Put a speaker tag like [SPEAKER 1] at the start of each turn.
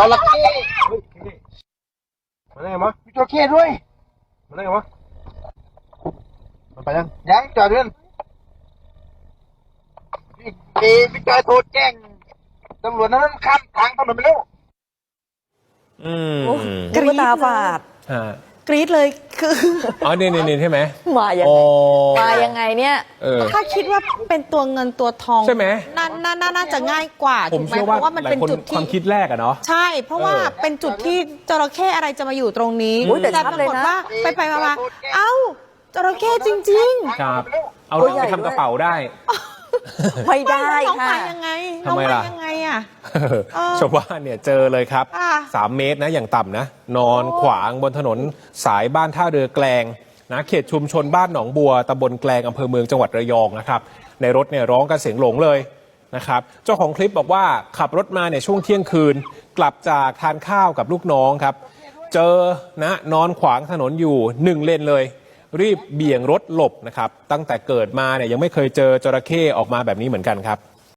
[SPEAKER 1] ระเข้
[SPEAKER 2] มันได้ไงวะ
[SPEAKER 1] มีจระเข้ด้วย
[SPEAKER 2] มันได้ไงวะมันไปยัง
[SPEAKER 1] จอดเรื่องพี่จอยโทรแจ้งตำรวจนั้นข้ามทางถนนไปแล้ว
[SPEAKER 3] กรี๊ดตาฝาดกรี๊ดเลยคือ
[SPEAKER 2] อ๋อนี่ใช่ไหม
[SPEAKER 3] มายังไงเนี่ย
[SPEAKER 4] ถ้าคิดว่าเป็นตัวเงินตัวทอง
[SPEAKER 2] ใช่ไหม
[SPEAKER 4] น่าจะง่ายกว่าถูกไหมเพราะว่ามันเป็นจุดที่
[SPEAKER 2] ความคิดแรกอะเนาะ
[SPEAKER 4] ใช่เพราะว่าเป็นจุดที่จระเข้อะไรจะมาอยู่ตรงนี้แต่ปรากฏว่าไปมาเอ้าจระเข้จริง
[SPEAKER 2] ๆครับเอาลงไปทำกระเป๋าได้
[SPEAKER 3] ไม่ได้
[SPEAKER 4] ค่ะ
[SPEAKER 3] ค่ะ
[SPEAKER 4] ยังไง
[SPEAKER 2] ทำไมล่ะ
[SPEAKER 4] ยังไงอ่ะ
[SPEAKER 2] ชาวบ้านเนี่ยเจอเลยครับ3 เมตรนะอย่างต่ำนะนอนขวางบนถนนสายบ้านท่าเรือแกลงนะเขตชุมชนบ้านหนองบัวตำบลแกลงอำเภอเมืองจังหวัดระยองนะครับในรถเนี่ยร้องกันเสียงหลงเลยนะครับเจ้าของคลิปบอกว่าขับรถมาเนี่ยช่วงเที่ยงคืนกลับจากทานข้าวกับลูกน้องครับเจอนะนอนขวางถนนอยู่1 เลนเลยรีบเบี่ยงรถหลบนะครับตั้งแต่เกิดมาเนี่ยยังไม่เคยเจอจระเข้ออกมาแบบนี้เหมือนกันครับ